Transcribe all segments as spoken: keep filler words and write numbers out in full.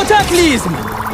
Kotaklizm!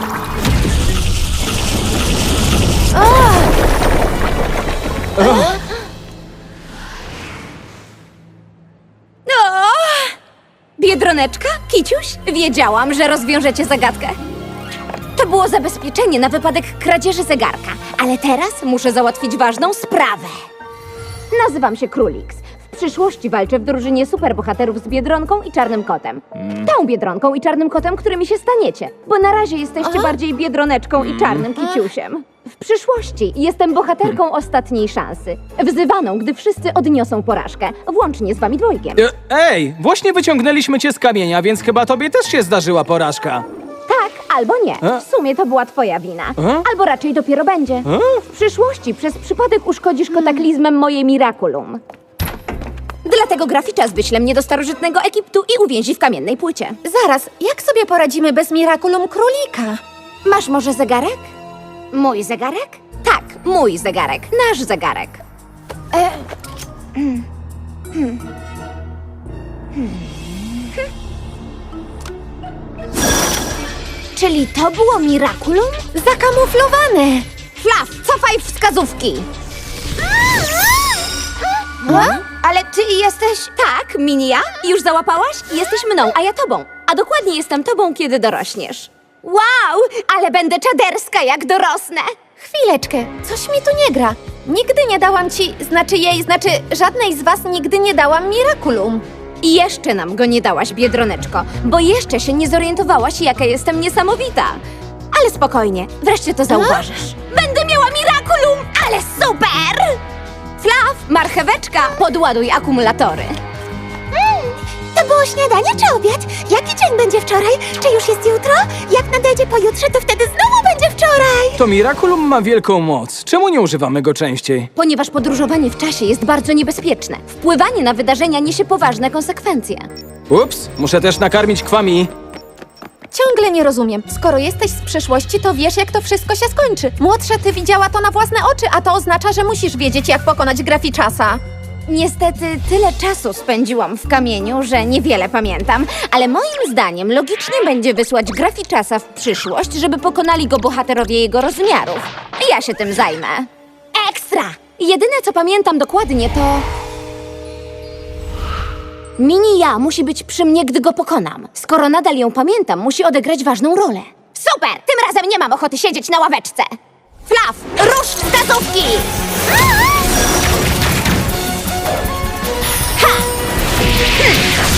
O! Biedroneczka? Kiciuś? Wiedziałam, że rozwiążecie zagadkę. To było zabezpieczenie na wypadek kradzieży zegarka, ale teraz muszę załatwić ważną sprawę. Nazywam się Królix. W przyszłości walczę w drużynie superbohaterów z Biedronką i Czarnym Kotem. Tą Biedronką i Czarnym Kotem, którymi się staniecie, bo na razie jesteście bardziej Biedroneczką i Czarnym Kiciusiem. W przyszłości jestem bohaterką ostatniej szansy, wzywaną, gdy wszyscy odniosą porażkę, włącznie z wami dwojgiem. E, Ej, właśnie wyciągnęliśmy cię z kamienia, więc chyba tobie też się zdarzyła porażka. Tak, albo nie. W sumie to była twoja wina. E? Albo raczej dopiero będzie. E? W przyszłości przez przypadek uszkodzisz kotaklizmem moje Miraculum. Dlatego Graficzas wyśle mnie do starożytnego Egiptu i uwięzi w kamiennej płycie. Zaraz, jak sobie poradzimy bez Miraculum Królika? Masz może zegarek? Mój zegarek? Tak, mój zegarek. Nasz zegarek. E... Hmm. Hmm. Hmm. Czyli to było Miraculum? Zakamuflowane! Flaw, cofaj wskazówki! Ale ty jesteś... Tak, Mini ja? Już załapałaś? Jesteś mną, a ja tobą. A dokładnie jestem tobą, kiedy dorośniesz. Wow, ale będę czaderska, jak dorosnę. Chwileczkę, coś mi tu nie gra. Nigdy nie dałam ci, znaczy jej, znaczy żadnej z was nigdy nie dałam Miraculum. I jeszcze nam go nie dałaś, Biedroneczko, bo jeszcze się nie zorientowałaś, jaka jestem niesamowita. Ale spokojnie, wreszcie to zauważysz. Będę miała Miraculum, ale super! Flaw, marcheweczka, podładuj akumulatory. To było śniadanie czy obiad? Jaki dzień będzie wczoraj? Czy już jest jutro? Jak nadejdzie pojutrze, to wtedy znowu będzie wczoraj! To Miraculum ma wielką moc. Czemu nie używamy go częściej? Ponieważ podróżowanie w czasie jest bardzo niebezpieczne. Wpływanie na wydarzenia niesie poważne konsekwencje. Ups, muszę też nakarmić Kwami. Ciągle nie rozumiem. Skoro jesteś z przyszłości, to wiesz, jak to wszystko się skończy. Młodsza, ty widziała to na własne oczy, a to oznacza, że musisz wiedzieć, jak pokonać Graficzasa. Niestety tyle czasu spędziłam w kamieniu, że niewiele pamiętam, ale moim zdaniem logicznie będzie wysłać Graficzasa w przyszłość, żeby pokonali go bohaterowie jego rozmiarów. Ja się tym zajmę. Ekstra! Jedyne, co pamiętam dokładnie, to... Mini ja musi być przy mnie, gdy go pokonam. Skoro nadal ją pamiętam, musi odegrać ważną rolę. Super! Tym razem nie mam ochoty siedzieć na ławeczce. Flaw, rusz wskazówki! Ha! Hmm.